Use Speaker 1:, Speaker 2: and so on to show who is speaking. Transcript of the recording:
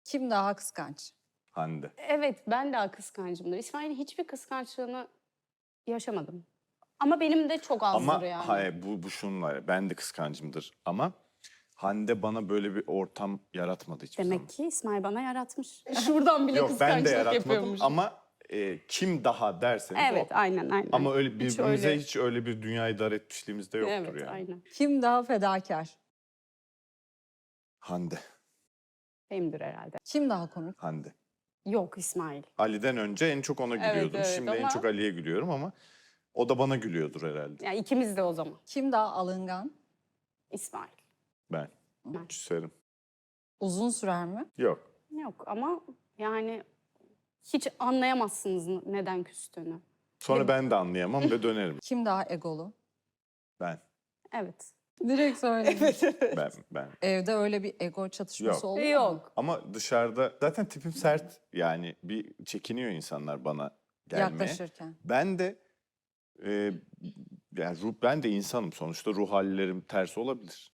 Speaker 1: Kim daha kıskanç?
Speaker 2: Hande.
Speaker 3: Evet, ben daha kıskancımdır. İsmail'in hiçbir kıskançlığını yaşamadım. Ama benim de çok azdır
Speaker 2: Ama
Speaker 3: yani.
Speaker 2: hayır, bu şunlar. Ben de kıskancımdır ama Hande bana böyle bir ortam yaratmadı hiçbir zaman.
Speaker 3: Demek ki İsmail bana yaratmış. Şuradan bile
Speaker 2: Yok, ben de
Speaker 3: kıskançlık
Speaker 2: yaratmadım
Speaker 3: yapıyormuş.
Speaker 2: ama kim daha derseniz
Speaker 3: Evet,
Speaker 2: o.
Speaker 3: aynen.
Speaker 2: Ama öyle
Speaker 3: Hiç
Speaker 2: birbirimize
Speaker 3: öyle-
Speaker 2: hiç öyle bir dünya idare etmişliğimiz de yoktur
Speaker 3: Evet,
Speaker 2: yani.
Speaker 3: aynen.
Speaker 1: Kim daha fedakar?
Speaker 2: Hande.
Speaker 3: Benimdir herhalde.
Speaker 1: Kim daha komik?
Speaker 2: Hande.
Speaker 3: Yok İsmail.
Speaker 2: Ali'den önce en çok ona
Speaker 3: Evet,
Speaker 2: gülüyordum.
Speaker 3: evet
Speaker 2: Şimdi en
Speaker 3: ama-
Speaker 2: çok Ali'ye gülüyorum ama o da bana gülüyordur herhalde.
Speaker 3: Yani ikimiz de o zaman.
Speaker 1: Kim daha alıngan?
Speaker 3: İsmail.
Speaker 2: Ben.
Speaker 3: Ben.
Speaker 2: Küserim.
Speaker 1: Uzun sürer mi?
Speaker 2: Yok.
Speaker 3: Yok ama yani hiç anlayamazsınız neden küstüğünü.
Speaker 2: Sonra ben de anlayamam ve dönerim.
Speaker 1: Kim daha egolu?
Speaker 2: Ben.
Speaker 3: Evet.
Speaker 1: Direkt söyle.
Speaker 2: Ben.
Speaker 1: Evde öyle bir ego çatışması
Speaker 2: Yok.
Speaker 1: oluyor mu?
Speaker 3: Yok.
Speaker 2: Ama dışarıda zaten tipim sert. Yani bir çekiniyor insanlar bana gelmeye.
Speaker 1: Yaklaşırken.
Speaker 2: Ben de yani ben de insanım sonuçta, ruh hallerim ters olabilir.